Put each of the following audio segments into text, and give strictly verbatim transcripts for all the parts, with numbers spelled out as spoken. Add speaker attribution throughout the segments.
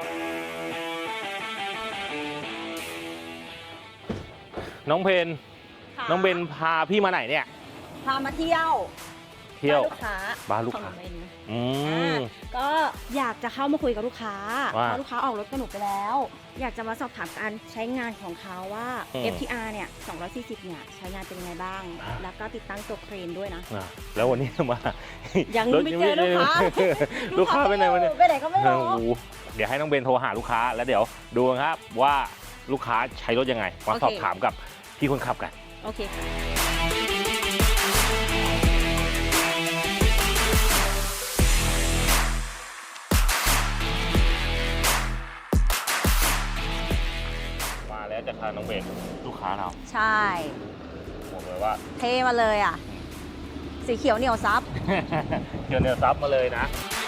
Speaker 1: น้องเพนน้องเบนพาพี่มาไหนเนี่ย
Speaker 2: พามาเที่ยว
Speaker 1: เที่ยว
Speaker 2: ลูกค้า
Speaker 1: บ้านลูกค้าอืม
Speaker 2: ก็อยากจะเข้ามาคุยกับลูกค้าเพ
Speaker 1: ว่า
Speaker 2: ราะลูกค้าออกรถกับหนูไปแล้ว อยากจะมาสอบถามการใช้งานของเขาว่า
Speaker 1: อืม
Speaker 2: เอฟ ที อาร์ เนี่ยสองร้อยสี่สิบเนี่ยใช้งานเป็นยังไงบ้าง
Speaker 1: อ่า
Speaker 2: แล้วก็ติดตั้งตัวเครนด้วยนะ
Speaker 1: อ่ะแล้ววันนี้มา
Speaker 2: ยังไม่เจอลูกค้า
Speaker 1: ลูกค้าไปไหนวะเนี่ย
Speaker 2: ไปไหนก็ไม่รู้
Speaker 1: โอ้โหเดี๋ยวให้น้องเบนโทรหาลูกค้าแล้วเดี๋ยวดูกันครับว่าลูกค้าใช้รถยังไงมาสอบถามกับพี่คนขับกัน
Speaker 2: โอเคค่ะ
Speaker 1: มาแล้วจะพาน้องเบนลูกค้าเรา
Speaker 2: ใช่
Speaker 1: บอกเลยว่า
Speaker 2: เทมาเลยอ่ะ สีเขียวเหนียวซับ
Speaker 1: เกี่ยวเนื้อซับมาเลยนะ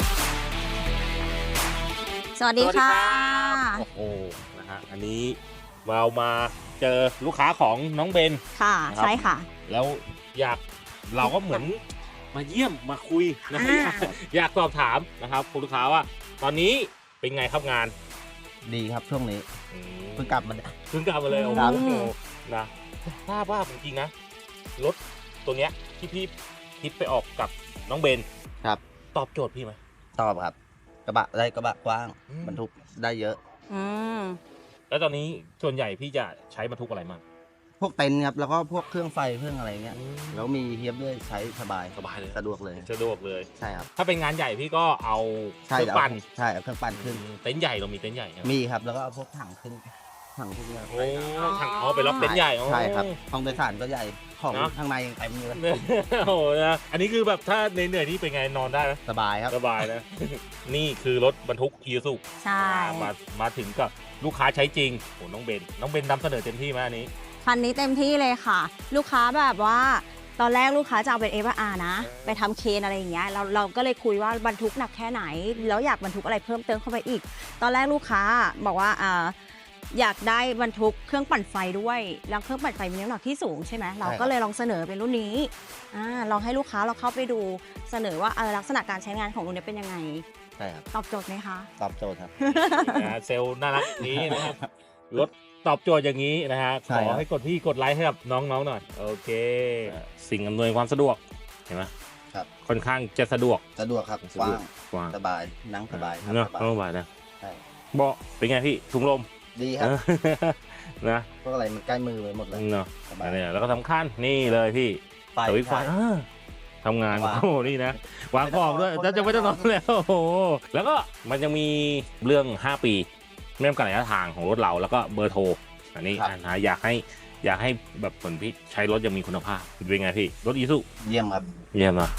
Speaker 2: สวัสดีค่ะ
Speaker 1: โอ้โหนะฮะอันนี้เรามาเจอลูกค้าของน้องเบน
Speaker 2: ค่ะ
Speaker 1: ครับ
Speaker 2: ใช่ค่ะ
Speaker 1: แล้วอยากเราก็เหมือนมาเยี่ยมมาคุยนะ
Speaker 2: อ่า
Speaker 1: อยากอยากสอบถามนะครับคุณลูกค้าว่า ตอนนี้เป็นไงครับงาน
Speaker 3: ดีครับช่วงนี้
Speaker 1: อืม
Speaker 3: เพิ่งกลับมา
Speaker 1: เพิ่งกลับมาเลยโอ้
Speaker 3: ครับ
Speaker 1: โหนะทราบว่าจริงๆนะรถตัวเนี้ยที่พี่คิดไปออกกับน้องเบน
Speaker 3: ครับ
Speaker 1: ตอบโจทย์พี่ไหม
Speaker 3: ตอบครับ กระบะได้กระบะกว้าง
Speaker 1: อืม
Speaker 3: บรรทุกได้เยอะ
Speaker 2: อืม
Speaker 1: แล้วตอนนี้ส่วนใหญ่พี่จะใช้บรรทุกอะไรมั่ง
Speaker 3: พวกเต็นท์ครับแล้วก็พวกเครื่องไฟเครื่องอะไรเงี้ยแล้วมีเฮียบด้วยใช้สบาย
Speaker 1: สบายเลย
Speaker 3: สะดวกเลย
Speaker 1: สะดวกเลย
Speaker 3: ใช่ครับ
Speaker 1: ถ้าเป็นงานใหญ่พี่ก็เอาเค
Speaker 3: ใช่
Speaker 1: รื่อง
Speaker 3: เอา
Speaker 1: ปั่น
Speaker 3: ใช่เอาเครื่องปั่นขึ้น
Speaker 1: เต็นท์ใหญ่เรามีเต็นท์ใหญ่ครับ
Speaker 3: มีครับแล้วก็เอาพวกถังขึ้นถังพวกเนี้ย
Speaker 1: โอ้ถังอ๋อไปรับเต็นท์ใหญ่อ๋อ
Speaker 3: ใช่ครับห้องโดยสารก็ใหญ่ของ
Speaker 1: เนอะ
Speaker 3: ข้างในยังเต็มอยู่เลย
Speaker 1: โอ้โหนะอันนี้คือแบบถ้าเหนื่อยๆนี่เป็นไงนอนได้ไหม
Speaker 3: สบายครับ
Speaker 1: สบายนะ นี่คือรถบรรทุกอีซู
Speaker 2: ใช่
Speaker 1: มามาถึงกับลูกค้าใช้จริงโอ้น้องเบนน้องเบนนำเสนอเต็มที่ไหมอันนี้
Speaker 2: คันนี้เต็มที่เลยค่ะ ลูกค้าแบบว่า ตอนแรกลูกค้าจะเอาเป็น เอฟ อาร์ นะ ไปทำเคนอะไรอย่างเงี้ยเราเราก็เลยคุยว่าบรรทุกหนักแค่ไหน แล้วอยากบรรทุกอะไรเพิ่มเติมเข้าไปอีก ตอนแรกลูกค้าบอกว่าอ่าอยากได้บรรทุกเครื่องปั่นไฟด้วยแล้วเครื่องปั่นไฟมีน้ำหนักที่สูงใช่ไหมเราก็เลยลองเสนอเป็นรุ่นนี้อ่าลองให้ลูกค้าเราเข้าไปดูเสนอว่าเอ่อลักษณะการใช้งานของรุ่นนี้เป็นยังไง
Speaker 3: ใช่ครับ
Speaker 2: ตอบโจทย์ไหมคะ
Speaker 3: ตอบโจทย์ครับ
Speaker 1: นะเซลล์น่ารักนี้นะครับรถตอบโจทย์อย่างนี้นะฮะ
Speaker 3: ใช่
Speaker 1: ขอ
Speaker 3: ครับ
Speaker 1: ให้กดพี่กดไลค์ให้กับน้องๆหน่อยโอเค สิ่งอำนวยความสะดวกเห็นไหม
Speaker 3: ครับ
Speaker 1: ค่อนข้างจะสะดวก
Speaker 3: สะดวกครับ
Speaker 1: สะ
Speaker 3: ก
Speaker 1: ด
Speaker 3: ว้าว
Speaker 1: ก
Speaker 3: ง
Speaker 1: กว้าง
Speaker 3: สบายนั่งสบายครับ
Speaker 1: เนาะ
Speaker 3: สบาย
Speaker 1: สบายนะ
Speaker 3: ใช่
Speaker 1: เบาะเป็นไงพี่ถุงลม
Speaker 3: ดีครับ
Speaker 1: นะ
Speaker 3: พวกอะไรมันใกล้มือไปหมดเลย
Speaker 1: เนาะ
Speaker 3: สบาย
Speaker 1: เนี่ยแล้วก็สำคัญนี่เลยพี่
Speaker 3: ไฟ
Speaker 1: สวิตช์ไฟ
Speaker 3: ใช่
Speaker 1: อ่าทำงาน
Speaker 3: วาง
Speaker 1: โอ้โหนี่นะวางของด้วย
Speaker 3: ไม่ต้อง
Speaker 1: จะจะไม่ต้องนอนแล้วโอ้โหแล้วก็มันจะมีเรื่อง ห้า ปีไม่จำกัดระยะทางของรถเราแล้วก็เบอร์โทรอันนี้
Speaker 3: ครับ
Speaker 1: นะอยากให้อยากให้แบบผลพี่ใช้รถยังมีคุณภาพเป็นไงพี่รถอีซู
Speaker 3: เยี่ยมครับ
Speaker 1: เยี่ยมนะ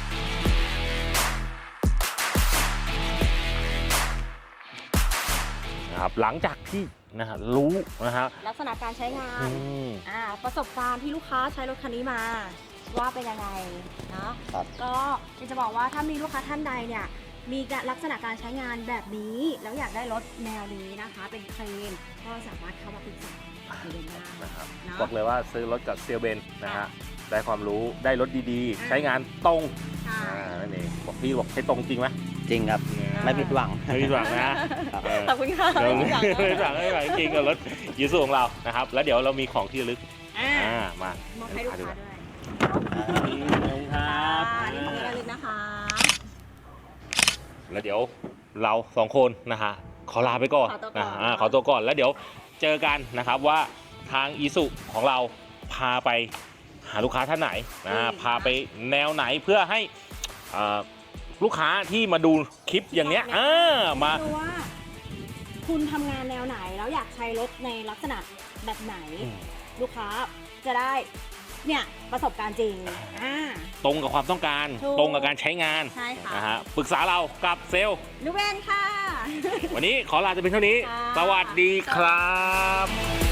Speaker 1: นะครับหลังจากที่นะฮะรู้นะฮะ
Speaker 2: ลักษณะการใช้งา
Speaker 1: อื
Speaker 2: น
Speaker 1: ม
Speaker 2: อ่าประสบการณ์ที่ลูกค้าใช้รถคันนี้มาว่าเป็นยังไงเนาะ
Speaker 3: ครับ
Speaker 2: ก็อยากจะบอกว่าถ้ามีลูกค้าท่านใดเนี่ยมีลักษณะการใช้งานแบบนี้แล้วอยากได้รถแนวนี้นะคะ เป็นเครนก็สามารถเข้ามาปรึกษาคุยกันได้
Speaker 1: นะครับ
Speaker 2: เนาะ
Speaker 1: บอกเลยว่าซื้อรถกับเซียเบนนะฮะได้ความรู้ได้รถดี
Speaker 2: อ่า
Speaker 1: ๆ ใช้งานตรง
Speaker 2: ใช่
Speaker 1: อ่านั่นเองบอกพี่บอกใช้ตรงจริงไหม
Speaker 3: จริงครับ ไม่ผิดหวัง
Speaker 1: ไม่ผิดหวังนะเออ
Speaker 2: ขอบคุณค่ะ
Speaker 1: เรา
Speaker 2: ไม่
Speaker 1: ไม่
Speaker 2: ผิดหวัง
Speaker 1: ผิดหวังไม่ผิดหวังจริงกับรถยูซูของเรานะครับ แล้วเดี๋ยวเรามีของที่ระลึก
Speaker 2: อ่า
Speaker 1: อ่ามาม
Speaker 2: อบให้ลูกค้าด้วย
Speaker 1: นี่ครับ
Speaker 2: อ่านี่ของที่ระลึกนะคะ
Speaker 1: แล้วเดี๋ยวเราสองคนนะฮะขอลาไปก่อน
Speaker 2: ขอตัวก่อน
Speaker 1: นะอ่าขอตัวก่อนแล้วเดี๋ยวเจอกันนะครับว่าทางอีสุของเราพาไปหาลูกค้าท่านไหนนะพาไปแนวไหนเพื่อให้อ่าลูกค้าที่มาดูคลิปอย่างเนี้ยอ่ามา
Speaker 2: ดูว่า คุณทำงานแนวไหนแล้วอยากใช้รถในลักษณะแบบไหน
Speaker 1: อืม
Speaker 2: ลูกค้าจะได้เนี่ยประสบการณ์จริงอ่า
Speaker 1: ตรงกับความต้องการ
Speaker 2: ถูก
Speaker 1: ตรงกับการใช้งาน
Speaker 2: ใช่ค่ะ
Speaker 1: นะฮะปรึกษาเรากับเซลล์
Speaker 2: นุเวนค่ะ
Speaker 1: วันนี้ขอลาจะเป็นเท่านี้
Speaker 2: ค่ะ
Speaker 1: สวัสดีครับ